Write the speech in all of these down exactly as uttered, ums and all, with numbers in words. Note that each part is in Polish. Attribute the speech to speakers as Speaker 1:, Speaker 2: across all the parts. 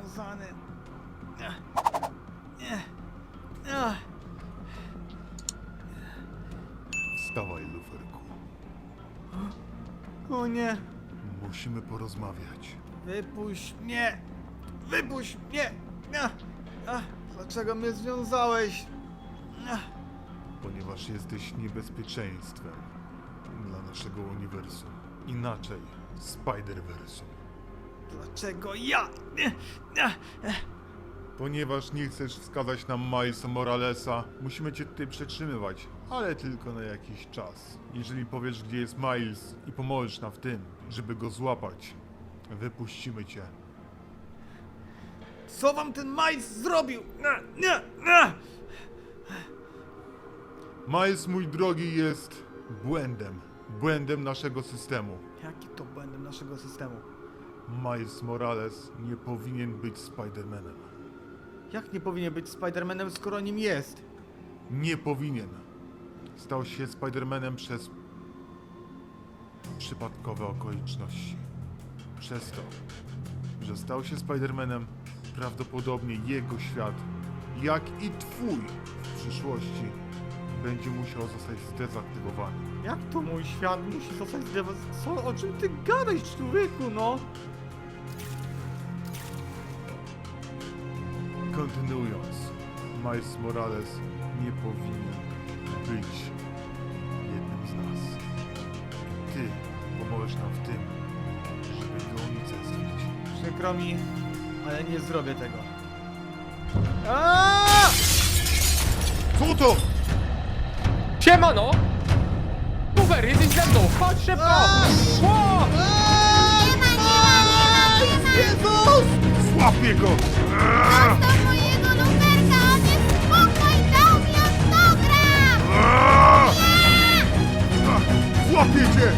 Speaker 1: związany. Nie. Nie. Ach.
Speaker 2: Wstawaj, luferku.
Speaker 1: O nie.
Speaker 2: Musimy porozmawiać.
Speaker 1: Wypuść mnie! Wypuść mnie! Ach. Ach. Dlaczego mnie związałeś? Ach.
Speaker 2: Ponieważ jesteś niebezpieczeństwem dla naszego uniwersum. Inaczej, Spider-Versum.
Speaker 1: Dlaczego ja? Nie. Ach.
Speaker 2: Ponieważ nie chcesz wskazać nam Milesa Moralesa, musimy cię tutaj przetrzymywać, ale tylko na jakiś czas. Jeżeli powiesz, gdzie jest Miles i pomożesz nam w tym, żeby go złapać, wypuścimy cię.
Speaker 1: Co wam ten Miles zrobił? Nie. Nie. Nie.
Speaker 2: Miles, mój drogi, jest błędem. Błędem naszego systemu.
Speaker 1: Jaki to błędem naszego systemu?
Speaker 2: Miles Morales nie powinien być Spider-Manem.
Speaker 1: Jak nie powinien być Spider-Manem, skoro nim jest?
Speaker 2: Nie powinien. Stał się Spider-Manem przez przypadkowe okoliczności. Przez to, że stał się Spider-Manem, prawdopodobnie jego świat, jak i twój w przyszłości, będzie musiał zostać zdezaktywowany.
Speaker 1: Jak to mój świat musi zostać zdewastowany? Co? O czym ty gadasz, człowieku, no?
Speaker 2: Kontynuując, Miles Morales nie powinien być jednym z nas. Ty pomożesz nam w tym, żeby go unicestwić.
Speaker 1: Przykro mi, ale nie zrobię tego. Aaaa!
Speaker 2: Co to?
Speaker 3: Siemano! Super, jesteś ze mną! Chodź szybko! Ło!
Speaker 1: Jezus!
Speaker 2: Złapię go!
Speaker 4: Do mojego luferka, on jest spokój, dał mi autograf!
Speaker 2: Złapię cię!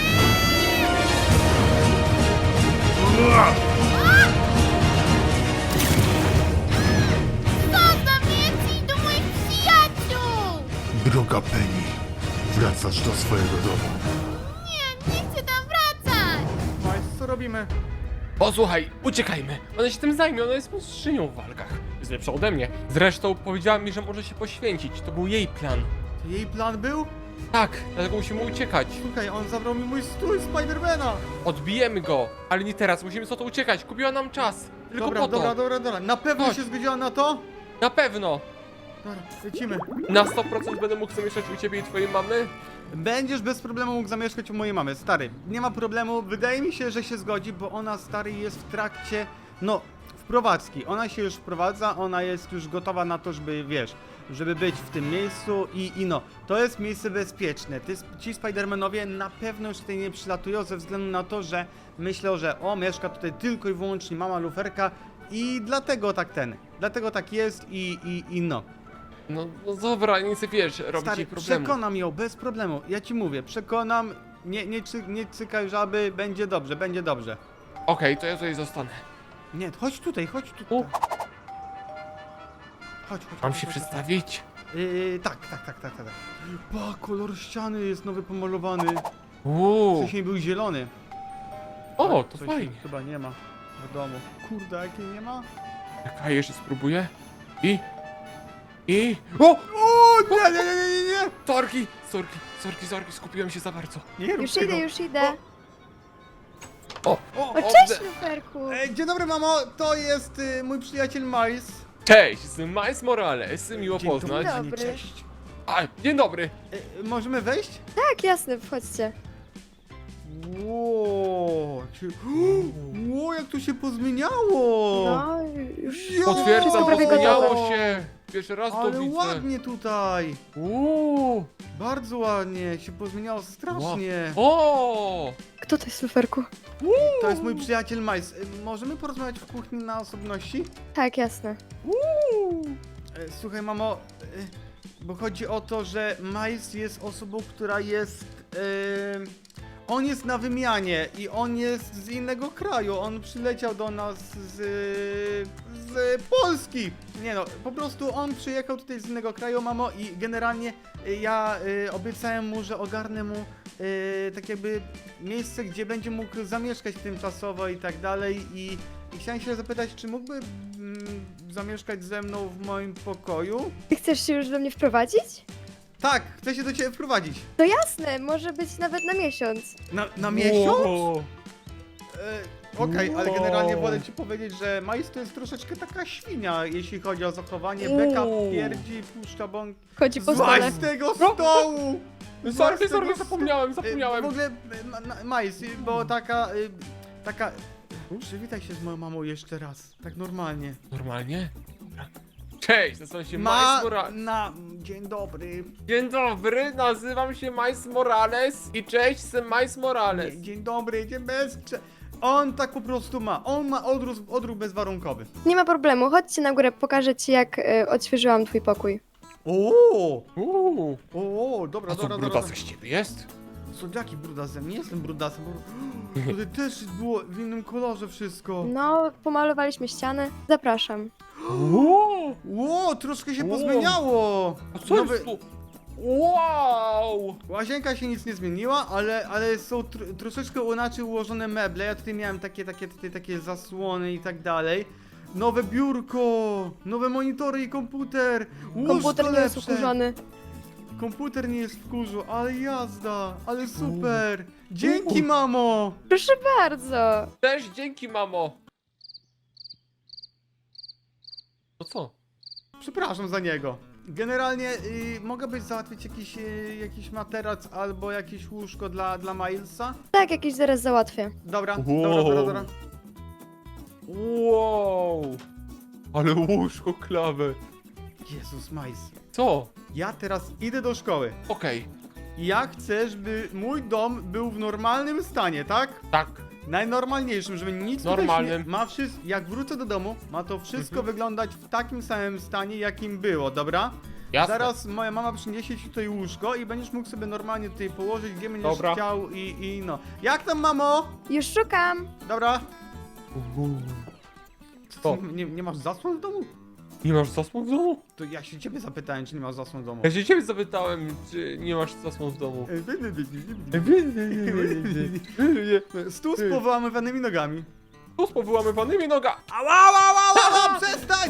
Speaker 4: Zostaw mnie, idź do moich przyjaciół!
Speaker 2: Droga Penny, wracasz do swojego domu.
Speaker 4: Nie, nie chcę tam wracać!
Speaker 1: Miles, co robimy?
Speaker 3: Posłuchaj, uciekajmy! Ona się tym zajmie, ona jest mistrzynią w walkach. Jest lepsza ode mnie. Zresztą powiedziała mi, że może się poświęcić. To był jej plan.
Speaker 1: To jej plan był?
Speaker 3: Tak, dlatego musimy uciekać.
Speaker 1: Słuchaj, on zabrał mi mój strój Spidermana!
Speaker 3: Odbijemy go, ale nie teraz, musimy co to uciekać. Kupiła nam czas. Tylko
Speaker 1: Dobra,
Speaker 3: po to.
Speaker 1: dobra, dobra, dobra. Na pewno
Speaker 3: Chodź.
Speaker 1: się zgodziła na to?
Speaker 3: Na pewno.
Speaker 1: Dobra, lecimy.
Speaker 3: Na sto procent będę mógł zamieszkać u ciebie i twojej mamy.
Speaker 1: Będziesz bez problemu mógł zamieszkać u mojej mamy, stary. Nie ma problemu, wydaje mi się, że się zgodzi, bo ona, stary, jest w trakcie, no, wprowadzki. Ona się już wprowadza, ona jest już gotowa na to, żeby, wiesz, żeby być w tym miejscu i, i no, to jest miejsce bezpieczne. Ty, ci Spidermanowie na pewno już tutaj nie przylatują ze względu na to, że myślą, że o, mieszka tutaj tylko i wyłącznie mama luferka i dlatego tak ten, dlatego tak jest i, i, i no.
Speaker 3: No, no dobra, nie chcę, wiesz, robić
Speaker 1: Stary,
Speaker 3: jej problemu.
Speaker 1: przekonam ją bez problemu. Ja ci mówię, przekonam. Nie, nie, cy, nie cykaj żaby, będzie dobrze, będzie dobrze.
Speaker 3: Okej, to ja tutaj zostanę.
Speaker 1: Nie, chodź tutaj, chodź tutaj.
Speaker 3: U.
Speaker 1: Chodź, chodź.
Speaker 3: Mam
Speaker 1: chodź,
Speaker 3: się
Speaker 1: chodź,
Speaker 3: przedstawić?
Speaker 1: chodź. Yy, tak, tak, tak, tak, tak. Pa, kolor ściany jest nowy pomalowany.
Speaker 3: Uuu.
Speaker 1: Wcześniej był zielony.
Speaker 3: O, to
Speaker 1: Coś
Speaker 3: fajnie.
Speaker 1: chyba nie ma w domu. Kurde, jakiej nie ma?
Speaker 3: Czekaj, jeszcze spróbuję. I... I... O!
Speaker 1: O, nie, nie, nie, nie, nie, nie.
Speaker 3: Sorki, sorki, sorki, sorki, skupiłem się za bardzo.
Speaker 1: Nie rób
Speaker 5: Już
Speaker 1: tego.
Speaker 5: idę, już idę.
Speaker 3: O!
Speaker 1: O,
Speaker 5: O, cześć,
Speaker 3: Obde-
Speaker 5: luferku.
Speaker 1: e, dzień dobry, mamo, to jest y, mój przyjaciel Miles.
Speaker 3: Cześć, jestem Miles Morales, miło
Speaker 1: Dzień
Speaker 3: poznać.
Speaker 5: dobry.
Speaker 1: panie, cześć.
Speaker 3: A, dzień dobry.
Speaker 1: E, możemy wejść?
Speaker 5: Tak, jasne, wchodźcie.
Speaker 1: Ło, jak się... Ło, jak to się pozmieniało!
Speaker 5: No, już
Speaker 1: Jo!
Speaker 3: Potwierdzam,
Speaker 5: wszystko prawie
Speaker 3: zmieniało
Speaker 5: gotowe.
Speaker 3: się. Pierwszy raz to
Speaker 1: Ale
Speaker 3: widzę.
Speaker 1: ładnie tutaj!
Speaker 3: Uuu.
Speaker 1: Bardzo ładnie, się pozmieniało strasznie.
Speaker 3: O!
Speaker 5: Kto to jest, luferku?
Speaker 1: To jest mój przyjaciel Miles. E, Możemy porozmawiać w kuchni na osobności?
Speaker 5: Tak, jasne.
Speaker 1: E, Słuchaj, mamo, e, bo chodzi o to, że Miles jest osobą, która jest... E, on jest na wymianie i on jest z innego kraju. On przyleciał do nas z, z Polski. Nie no, po prostu on przyjechał tutaj z innego kraju, mamo, i generalnie y, ja y, obiecałem mu, że ogarnę mu y, tak jakby miejsce, gdzie będzie mógł zamieszkać tymczasowo i tak dalej. I I chciałem się zapytać, czy mógłby mm, zamieszkać ze mną w moim pokoju?
Speaker 5: Ty chcesz się już do mnie wprowadzić?
Speaker 1: Tak, chcę się do ciebie wprowadzić.
Speaker 5: To jasne, może być nawet na miesiąc.
Speaker 1: Na, na miesiąc?
Speaker 3: Wow.
Speaker 1: E, Okej, ale
Speaker 3: Wow.
Speaker 1: generalnie wolę ci powiedzieć, że Majs to jest troszeczkę taka świnia, jeśli chodzi o zachowanie. Beka
Speaker 3: Uuu.
Speaker 1: pierdzi, puszcza bąk.
Speaker 5: Chodzi po
Speaker 1: Złaź
Speaker 5: stole.
Speaker 1: z tego stołu! Złaź
Speaker 3: Sorry,
Speaker 1: z tego
Speaker 3: sorry, zapomniałem,
Speaker 1: sto-
Speaker 3: zapomniałem.
Speaker 1: E, W ogóle, e, ma- na- Majs, y, bo taka... y, Taka... Przywitaj się z moją mamą jeszcze raz, tak normalnie.
Speaker 3: Normalnie? Dobra. Cześć, nazywam się
Speaker 1: Ma...
Speaker 3: Miles Morales.
Speaker 1: na... Dzień dobry.
Speaker 3: Dzień dobry, nazywam się Miles Morales i cześć, jestem Miles Morales.
Speaker 1: Nie, dzień dobry, dzień bez... prze- On tak po prostu ma. On ma odruch, odruch bezwarunkowy.
Speaker 5: Nie ma problemu, chodźcie na górę, pokażę ci jak y, odświeżyłam twój pokój.
Speaker 1: O,
Speaker 3: Uuu,
Speaker 1: o, dobra,
Speaker 3: a co
Speaker 1: dobra, dobra.
Speaker 3: brudasek z ciebie jest?
Speaker 1: Co, jaki brudasem? Nie jestem brudasem, bo tutaj też było w innym kolorze wszystko.
Speaker 5: No, pomalowaliśmy ściany. Zapraszam.
Speaker 3: Uuu,
Speaker 1: Ło, troszkę się
Speaker 3: Wow.
Speaker 1: pozmieniało.
Speaker 3: a co jest tu? Wow!
Speaker 1: Łazienka się nic nie zmieniła, ale, ale są tr troszeczkę inaczej ułożone meble. Ja tutaj miałem takie, takie, tutaj takie zasłony i tak dalej. Nowe biurko, nowe monitory i komputer. Łóżko
Speaker 5: Komputer nie jest
Speaker 1: lepsze.
Speaker 5: ukurzony.
Speaker 1: Komputer nie jest w kurzu, ale jazda, ale super. Dzięki, mamo.
Speaker 5: Proszę bardzo.
Speaker 3: Też dzięki, mamo. To co?
Speaker 1: Przepraszam za niego. Generalnie y, mogę być załatwić jakiś, y, jakiś materac albo jakieś łóżko dla, dla Milesa?
Speaker 5: Tak, jakieś zaraz załatwię.
Speaker 1: Dobra,
Speaker 3: Wow.
Speaker 1: dobra, dobra, dobra.
Speaker 3: Wow! Ale łóżko klawę.
Speaker 1: Jezus Miles.
Speaker 3: Co?
Speaker 1: Ja teraz idę do szkoły.
Speaker 3: Okej,
Speaker 1: Ja chcę, żeby mój dom był w normalnym stanie, tak?
Speaker 3: tak.
Speaker 1: Najnormalniejszym, żeby nic tutaj
Speaker 3: Normalnym.
Speaker 1: się nie... Ma wszystko, jak wrócę do domu, ma to wszystko
Speaker 3: Mhm.
Speaker 1: wyglądać w takim samym stanie, jakim było, dobra?
Speaker 3: Jasne.
Speaker 1: Zaraz moja mama przyniesie ci tutaj łóżko i będziesz mógł sobie normalnie tutaj położyć, gdzie będziesz
Speaker 3: Dobra.
Speaker 1: chciał i, i no. Jak tam, mamo?
Speaker 5: Już szukam.
Speaker 1: Dobra.
Speaker 3: Uuu.
Speaker 1: Co,
Speaker 3: Co?
Speaker 1: ty, nie, nie masz zasłon w domu?
Speaker 3: Nie masz zasłon w domu?
Speaker 1: To ja się ciebie zapytałem, czy nie masz zasłon w domu.
Speaker 3: Ja się ciebie zapytałem, czy nie masz zasłon w domu.
Speaker 1: Stół z powyłamywanymi nogami.
Speaker 3: Tu z powyłamywanymi noga.
Speaker 1: Ała, ała, ała, ała, przestań!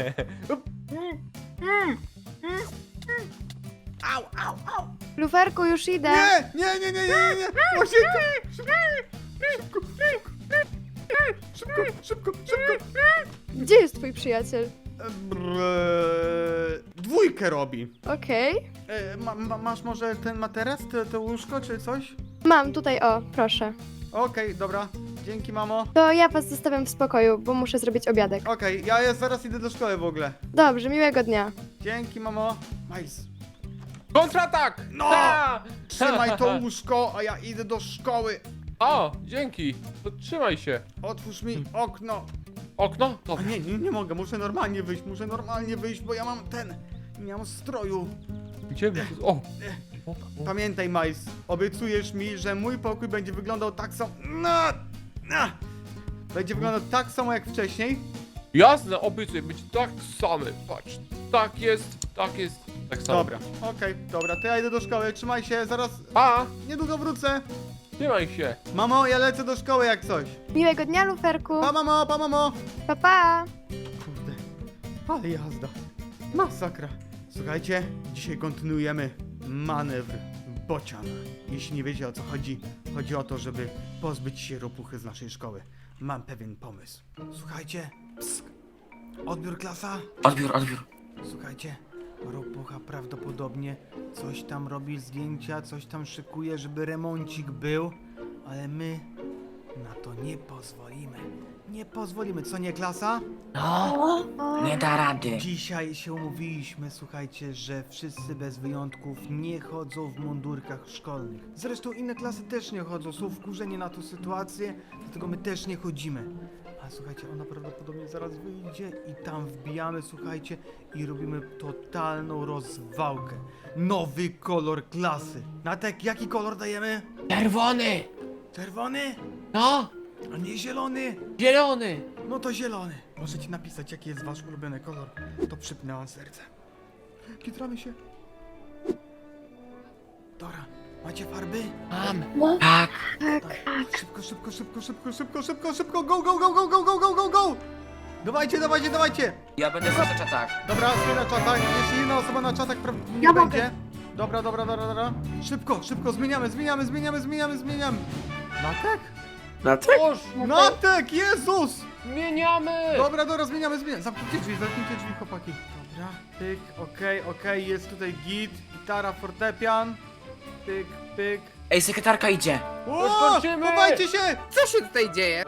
Speaker 1: Au, au, au!
Speaker 5: Luferku, już idę.
Speaker 1: Nie, nie, nie, nie, nie, nie! Łasienka! Szybko, szybko, szybko, szybko, szybko!
Speaker 5: Gdzie jest twój przyjaciel?
Speaker 1: Eee, dwójkę robi.
Speaker 5: Okej.
Speaker 1: E, ma, ma, masz może ten materac, te, to łóżko czy coś?
Speaker 5: Mam tutaj, o, proszę.
Speaker 1: Okej, dobra. Dzięki, mamo.
Speaker 5: To ja was zostawiam w spokoju, bo muszę zrobić obiadek.
Speaker 1: Okej, ja jest, zaraz idę do szkoły w ogóle.
Speaker 5: Dobrze, miłego dnia.
Speaker 1: Dzięki, mamo. Miles,
Speaker 3: Kontratak!
Speaker 1: No!
Speaker 3: Ha!
Speaker 1: trzymaj to łóżko, a ja idę do szkoły.
Speaker 3: O, dzięki. To trzymaj się.
Speaker 1: Otwórz mi okno.
Speaker 3: Okno?
Speaker 1: A
Speaker 3: Dobra.
Speaker 1: nie, nie, nie mogę, muszę normalnie wyjść, muszę normalnie wyjść, bo ja mam ten, nie mam stroju.
Speaker 3: Gdzie my? O! o, o.
Speaker 1: Pamiętaj, Miles, obiecujesz mi, że mój pokój będzie wyglądał tak samo... No, no. Będzie wyglądał tak samo jak wcześniej.
Speaker 3: Jasne, obiecuję, być tak samy. Patrz, tak jest, tak jest, tak samo.
Speaker 1: Dobra, okej, dobra, to ja idę do szkoły, trzymaj się, zaraz,
Speaker 3: Pa!
Speaker 1: niedługo wrócę.
Speaker 3: Trzymaj się.
Speaker 1: Mamo, ja lecę do szkoły jak coś.
Speaker 5: Miłego dnia, Luferku.
Speaker 1: Pa, mamo, pa, mamo.
Speaker 5: Pa, pa.
Speaker 1: Kurde, ale jazda. Masakra. Słuchajcie, dzisiaj kontynuujemy manewr bocian. Jeśli nie wiecie o co chodzi, chodzi o to, żeby pozbyć się ropuchy z naszej szkoły. Mam pewien pomysł. Słuchajcie, psk. Odbiór klasa.
Speaker 6: Odbiór, odbiór.
Speaker 1: Słuchajcie, ropucha prawdopodobnie coś tam robi zdjęcia, coś tam szykuje, żeby remoncik był, ale my na to nie pozwolimy. Nie pozwolimy, co nie klasa?
Speaker 6: No,
Speaker 5: O,
Speaker 6: nie da rady.
Speaker 1: Dzisiaj się umówiliśmy, słuchajcie, że wszyscy bez wyjątków nie chodzą w mundurkach szkolnych. Zresztą inne klasy też nie chodzą, są wkurzeni na tą sytuację, dlatego my też nie chodzimy. A słuchajcie, ona prawdopodobnie zaraz wyjdzie i tam wbijamy, słuchajcie, i robimy totalną rozwałkę. Nowy kolor klasy. Natek, jaki kolor dajemy?
Speaker 6: Czerwony!
Speaker 1: Czerwony?
Speaker 6: No,
Speaker 1: A nie zielony?
Speaker 6: zielony!
Speaker 1: No to zielony. Możecie napisać, jaki jest wasz ulubiony kolor. To przypnę wam serce. Kitramy się. Dobra, Macie farby?
Speaker 3: Mam.
Speaker 5: No,
Speaker 6: Tak.
Speaker 5: tak.
Speaker 1: Szybko, szybko, szybko, szybko, szybko, szybko, szybko, go, go, go, go, go, go, go, go, go! Dawajcie, dawajcie, dawajcie!
Speaker 7: Ja będę na czatach.
Speaker 1: Dobra, stoję na czatach, jeśli jedna osoba na czatach pra- nie
Speaker 5: Ja mogę.
Speaker 1: będzie. Dobra, dobra, dobra, dobra. Szybko, szybko, zmieniamy, zmieniamy, zmieniamy, zmieniamy, zmieniamy. Natek?
Speaker 7: Na tak?
Speaker 3: Już,
Speaker 1: Natek, Jezus!
Speaker 3: zmieniamy!
Speaker 1: Dobra, dobra, zmieniamy, zmieniamy. Zamknijcie drzwi, zamknijcie drzwi, chłopaki. Dobra, pyk, okej, okej, jest tutaj git, gitara, fortepian. Pyk, pyk.
Speaker 7: Ej, sekretarka idzie.
Speaker 1: O,
Speaker 3: kończymy!
Speaker 1: chowajcie się!
Speaker 8: Co się tutaj dzieje?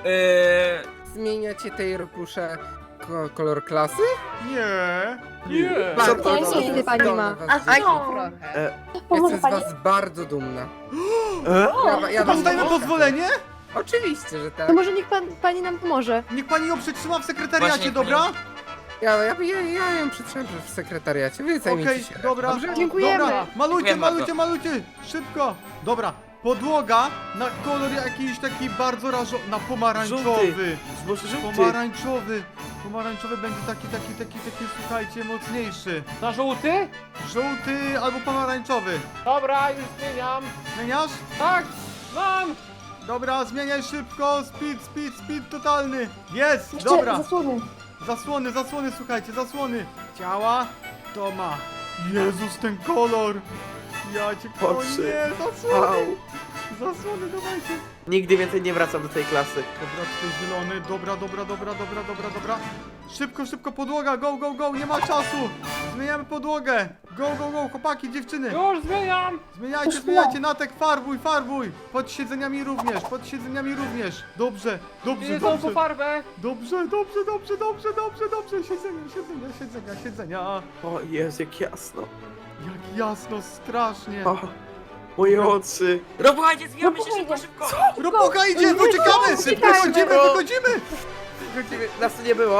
Speaker 7: Eee,
Speaker 8: Zmieniacie tej rokusze ko kolor klasy?
Speaker 1: Nie.
Speaker 3: Nie!
Speaker 8: Bardzo
Speaker 7: to
Speaker 8: dobrze.
Speaker 5: jest? Kiedy pani ma?
Speaker 8: Was
Speaker 5: A
Speaker 8: widzę.
Speaker 5: co?
Speaker 8: trochę.
Speaker 5: Pomoże
Speaker 8: Jestem z
Speaker 5: pani?
Speaker 8: was bardzo dumna.
Speaker 7: e?
Speaker 8: Ja, ja wam
Speaker 1: Dostajemy
Speaker 8: pomogę.
Speaker 1: pozwolenie?
Speaker 8: Oczywiście, że tak.
Speaker 5: To może niech pan, pani nam pomoże.
Speaker 1: Niech pani ją przetrzyma w sekretariacie,
Speaker 7: Właśnie,
Speaker 1: dobra?
Speaker 8: Ja, ja, ja, ja ją przytrzymam w sekretariacie. Wy zajmijcie
Speaker 1: Okej,
Speaker 8: się.
Speaker 1: dobra.
Speaker 8: Dobrze?
Speaker 5: Dziękujemy.
Speaker 1: Dobra, malujcie,
Speaker 7: Dziękuję
Speaker 1: malujcie,
Speaker 7: bardzo.
Speaker 1: malujcie! Szybko! Dobra, podłoga na kolor jakiś taki bardzo rażo... na pomarańczowy.
Speaker 7: Może żółty.
Speaker 1: Pomarańczowy. Pomarańczowy będzie taki, taki, taki, taki, słuchajcie, mocniejszy.
Speaker 3: Na żółty?
Speaker 1: Żółty albo pomarańczowy.
Speaker 3: Dobra, już zmieniam.
Speaker 1: Zmieniasz?
Speaker 3: Tak, mam!
Speaker 1: Dobra, zmieniaj szybko. Speed, speed, speed totalny. Jest, dobra.
Speaker 5: Zasłony.
Speaker 1: Zasłony, zasłony, słuchajcie, zasłony. Ciała, to ma. Jezus, ten kolor. Ja cię... O
Speaker 7: Oczy.
Speaker 1: nie, zasłony.
Speaker 7: Au.
Speaker 1: Zasłony, dawajcie.
Speaker 7: Nigdy więcej nie wracam do tej klasy.
Speaker 1: Dobra, tutaj zielony, dobra, dobra, dobra, dobra, dobra, dobra. Szybko, szybko, podłoga, go, go, go, nie ma czasu. Zmieniamy podłogę. Go, go, go, chłopaki, dziewczyny.
Speaker 3: Już zmieniam!
Speaker 1: Zmieniajcie, zmieniajcie, Natek, farbuj, farbuj. Pod siedzeniami również, pod siedzeniami również. Dobrze, dobrze,
Speaker 3: Idę tą po
Speaker 1: dobrze.
Speaker 3: farbę!
Speaker 1: Dobrze, dobrze, dobrze, dobrze, dobrze, dobrze. Siedzenia, siedzenia, siedzenia, siedzenia.
Speaker 7: O Jezu, jak jasno.
Speaker 1: Jak jasno, strasznie.
Speaker 7: O, moje oczy. Robuchajcie, zwijamy się szybko, szybko.
Speaker 1: Ropucha idzie, uciekamy! Wychodzimy, wychodzimy!
Speaker 7: Wychodzimy, nas tu nie było.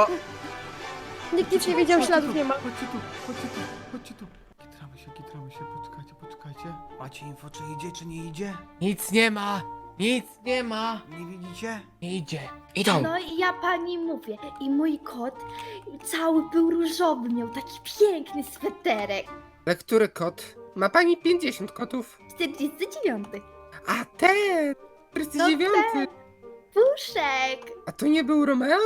Speaker 5: Nikt nic nie wiedział, śladów nie ma.
Speaker 1: Chodźcie tu, chodźcie tu, chodźcie tu. Kitramy się, kitramy się, poczekajcie, poczekajcie. Macie info, czy idzie, czy nie idzie?
Speaker 6: Nic nie ma. Nic nie ma.
Speaker 1: Nie widzicie?
Speaker 6: Nie idzie.
Speaker 7: Idą.
Speaker 4: No i ja pani mówię. I mój kot cały był różowy, miał taki piękny sweterek.
Speaker 8: Ale który kot? Ma pani pięćdziesiąt kotów.
Speaker 4: czterdziesty dziewiąty.
Speaker 8: A ten! czterdzieści dziewiąty.
Speaker 4: Puszek!
Speaker 8: A to nie był Romeo?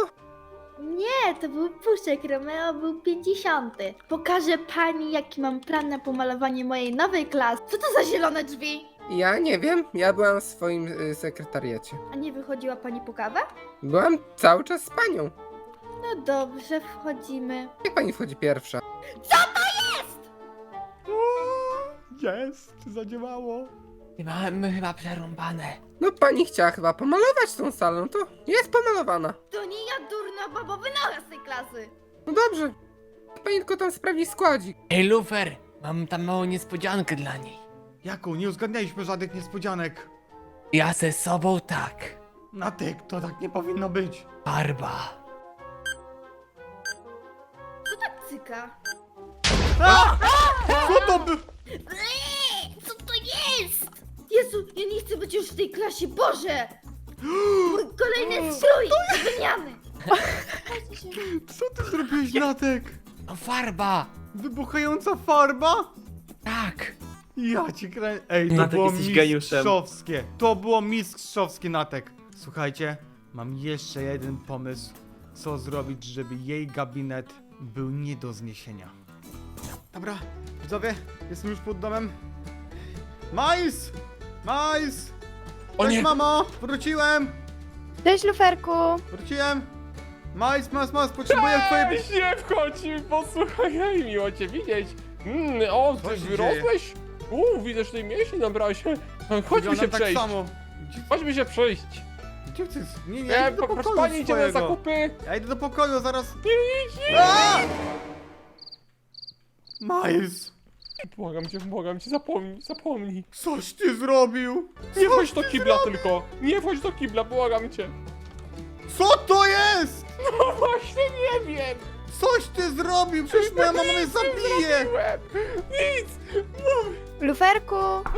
Speaker 4: Nie, to był Puszek, Romeo był pięćdziesiąty. Pokażę pani, jaki mam plan na pomalowanie mojej nowej klasy. Co to za zielone drzwi?
Speaker 8: Ja nie wiem, ja byłam w swoim y, sekretariacie.
Speaker 4: A nie wychodziła pani po kawę?
Speaker 8: Byłam cały czas z panią.
Speaker 4: No dobrze, wchodzimy.
Speaker 8: Jak pani wchodzi pierwsza?
Speaker 1: Jest, zadziałało.
Speaker 6: Mamy chyba przerąbane.
Speaker 8: No pani chciała chyba pomalować tą salę, no to jest pomalowana.
Speaker 4: To nie ja, durna babo, wynocha z tej klasy.
Speaker 8: No dobrze. Pani tylko tam sprawdzi składzik.
Speaker 6: Ej, Lufer, mam tam małą niespodziankę dla niej.
Speaker 1: Jaką? Nie uzgadnialiśmy żadnych niespodzianek.
Speaker 6: Ja ze sobą tak.
Speaker 1: Natek, to tak nie powinno być.
Speaker 6: Farba.
Speaker 4: Co tak cyka?
Speaker 1: A! Co to by...
Speaker 4: Eee, co to jest? Jezu, ja nie chcę być już w tej klasie, Boże! Mój kolejny strój do wymiany!
Speaker 1: Co ty zrobiłeś, Natek?
Speaker 6: No farba.
Speaker 1: Wybuchająca farba?
Speaker 6: Tak.
Speaker 1: Ja ci krę... Ej, to
Speaker 7: Natek,
Speaker 1: było
Speaker 7: jesteś geniuszem.
Speaker 1: mistrzowskie. To było mistrzowskie, Natek. Słuchajcie, mam jeszcze jeden pomysł, co zrobić, żeby jej gabinet był nie do zniesienia. Dobra, widzowie, jestem już pod domem. Majs! Majs!
Speaker 3: O
Speaker 1: Cześć,
Speaker 3: nie!
Speaker 1: mamo! Wróciłem!
Speaker 5: Cześć, Luferku.
Speaker 1: Wróciłem! Majs, mas, mas, potrzebuję twojej...
Speaker 3: Cześć, nie wchodź, posłuchaj, hej, miło cię widzieć. Mm, o,
Speaker 1: Co
Speaker 3: ty
Speaker 1: się
Speaker 3: wyrosłeś? Uuu, widzę, że tej mięśni nabrałeś. Chodźmy
Speaker 1: Wyglądam
Speaker 3: się
Speaker 1: tak
Speaker 3: przejść.
Speaker 1: samo. Gdzie,
Speaker 3: Chodźmy się przejść.
Speaker 1: gdzie ty... Nie, nie, ja
Speaker 3: E,
Speaker 1: idę do
Speaker 3: proszę
Speaker 1: pokoju
Speaker 3: pani, idziemy na
Speaker 1: swojego.
Speaker 3: zakupy.
Speaker 1: Ja idę do pokoju, zaraz... Nie, nie, Majs!
Speaker 3: Błagam cię, błagam cię, zapomnij, zapomnij.
Speaker 1: Coś ty zrobił!
Speaker 3: Nie wchodź do kibla tylko. Nie wchodź do kibla, błagam cię.
Speaker 1: Co to jest?
Speaker 3: No właśnie nie wiem.
Speaker 1: Coś ty zrobił! Przecież moja mama mnie zabije!
Speaker 3: Zrobiłem. Nic.
Speaker 5: Luferku.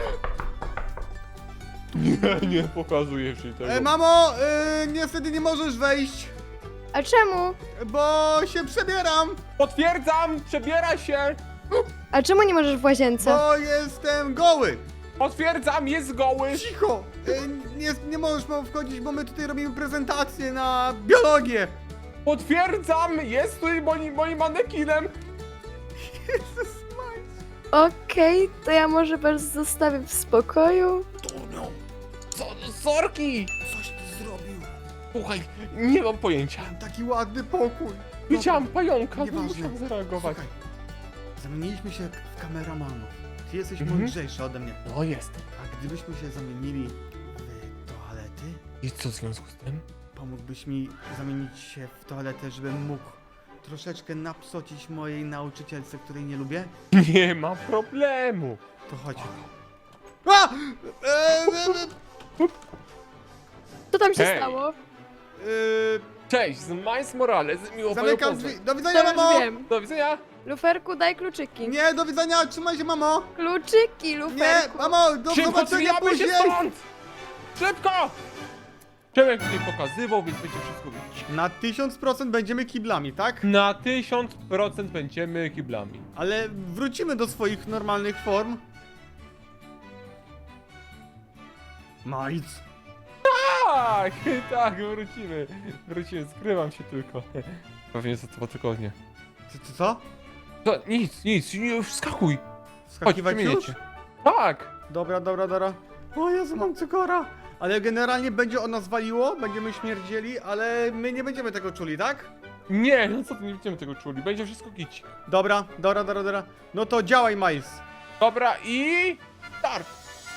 Speaker 3: Nie, nie pokazujesz jej tego.
Speaker 1: E, mamo, y, niestety nie możesz wejść,
Speaker 5: A czemu?
Speaker 1: bo się przebieram,
Speaker 3: Potwierdzam, przebiera się.
Speaker 5: A czemu nie możesz w łazience?
Speaker 1: bo jestem goły.
Speaker 3: Potwierdzam, jest goły!
Speaker 1: Cicho! E, nie, nie możesz mam wchodzić, bo my tutaj robimy prezentację na biologię!
Speaker 3: Potwierdzam, jest tutaj moim, moim manekinem!
Speaker 1: Jezus Maria.
Speaker 5: Okej, to ja może was zostawię w spokoju.
Speaker 3: Co, sorki!
Speaker 1: Coś ty zrobił!
Speaker 3: Słuchaj, nie mam pojęcia.
Speaker 1: Taki ładny pokój!
Speaker 3: Widziałam pająka, no
Speaker 1: Nieważne.
Speaker 3: musiałam zareagować.
Speaker 1: Słuchaj, zamieniliśmy się w kameramanów. Ty jesteś
Speaker 3: Mhm.
Speaker 1: mądrzejszy ode mnie.
Speaker 3: No jest.
Speaker 1: A gdybyśmy się zamienili w toalety,
Speaker 3: I co w związku z tym?
Speaker 1: pomógłbyś mi zamienić się w toaletę, żebym mógł troszeczkę napsocić mojej nauczycielce, której nie lubię?
Speaker 3: Nie ma problemu.
Speaker 1: To chodź. A! E, e, e,
Speaker 5: Co tam się
Speaker 3: Hej.
Speaker 5: stało?
Speaker 1: e,
Speaker 3: Cześć, z Miles Morales, miło panią
Speaker 1: zamykam
Speaker 3: poznać.
Speaker 1: drzwi. Do widzenia,
Speaker 5: To już
Speaker 1: mamo!
Speaker 5: wiem.
Speaker 3: Do widzenia.
Speaker 5: Luferku, daj kluczyki.
Speaker 1: Nie, do widzenia, trzymaj się, mamo!
Speaker 5: Kluczyki,
Speaker 1: Nie,
Speaker 5: luferku.
Speaker 1: mamo, do
Speaker 3: Szybko
Speaker 1: zobaczenia
Speaker 3: zwijamy się
Speaker 1: później!
Speaker 3: stąd! Szybko! Przemek tutaj pokazywał, więc będzie wszystko widzieć.
Speaker 1: Na tysiąc procent będziemy kiblami, tak?
Speaker 3: Na tysiąc procent będziemy kiblami.
Speaker 1: Ale wrócimy do swoich normalnych form. Majc.
Speaker 3: Tak, tak, wrócimy. Wrócimy, skrywam się tylko. Pewnie za dwa tygodnie.
Speaker 1: Co, co, co?
Speaker 3: To nic, nic, nie, wskakuj. Chodź,
Speaker 1: Skakiwać
Speaker 3: przemienię
Speaker 1: już?
Speaker 3: cię. Tak.
Speaker 1: Dobra, dobra, dobra. O Jezu, mam cukora. Ale generalnie będzie o nas waliło, będziemy śmierdzieli, ale my nie będziemy tego czuli, tak?
Speaker 3: Nie, no co ty, nie będziemy tego czuli, będzie wszystko gić.
Speaker 1: Dobra, dobra, dobra, dobra. No to działaj, Miles.
Speaker 3: Dobra i... start.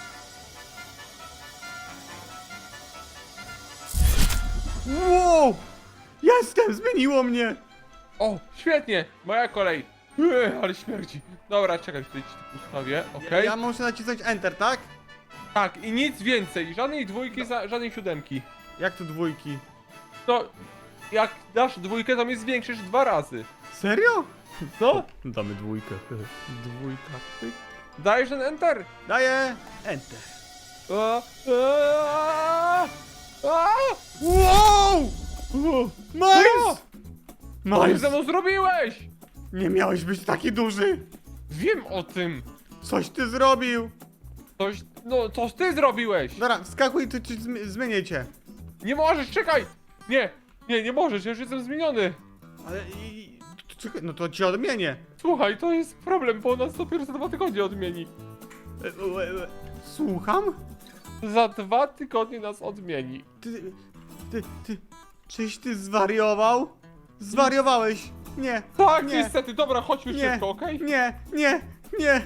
Speaker 1: Wow! Jestem, zmieniło mnie!
Speaker 3: O, świetnie, moja kolej. Ech, ale śmierdzi. Dobra, czekaj, tutaj ci to ustawię, okej?
Speaker 1: Ja muszę nacisnąć Enter, tak?
Speaker 3: Tak, i nic więcej, żadnej dwójki, za, żadnej siódemki.
Speaker 1: Jak tu dwójki?
Speaker 3: No, jak dasz dwójkę, to mnie zwiększysz dwa razy.
Speaker 1: Serio?
Speaker 3: Co?
Speaker 1: Damy dwójkę. Dwójka. pyk.
Speaker 3: Dajesz ten enter?
Speaker 1: Daję Enter.
Speaker 3: A, a, a,
Speaker 1: Wow! Miles!
Speaker 3: Co ty
Speaker 1: Miles!
Speaker 3: ze mną zrobiłeś?
Speaker 1: Nie miałeś być taki duży!
Speaker 3: Wiem o tym.
Speaker 1: Coś ty zrobił!
Speaker 3: Coś, no, coś ty zrobiłeś.
Speaker 1: Dobra, wskakuj, to ci zmi- zmienię cię.
Speaker 3: Nie możesz, czekaj. Nie, nie, nie możesz, ja już jestem zmieniony.
Speaker 1: Ale i... Czekaj, no to cię odmienię.
Speaker 3: Słuchaj, to jest problem, bo nas dopiero za dwa tygodnie odmieni.
Speaker 1: E, e, e, Słucham?
Speaker 3: Za dwa tygodnie nas odmieni.
Speaker 1: Ty, ty, ty, czyś ty zwariował? Zwariowałeś! Nie,
Speaker 3: Tak,
Speaker 1: nie,
Speaker 3: niestety, dobra, chodźmy
Speaker 1: nie,
Speaker 3: szybko, okej?
Speaker 1: nie, nie, nie.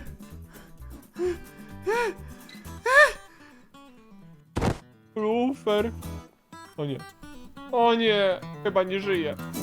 Speaker 3: Lufer. O nie. O nie, chyba nie żyje.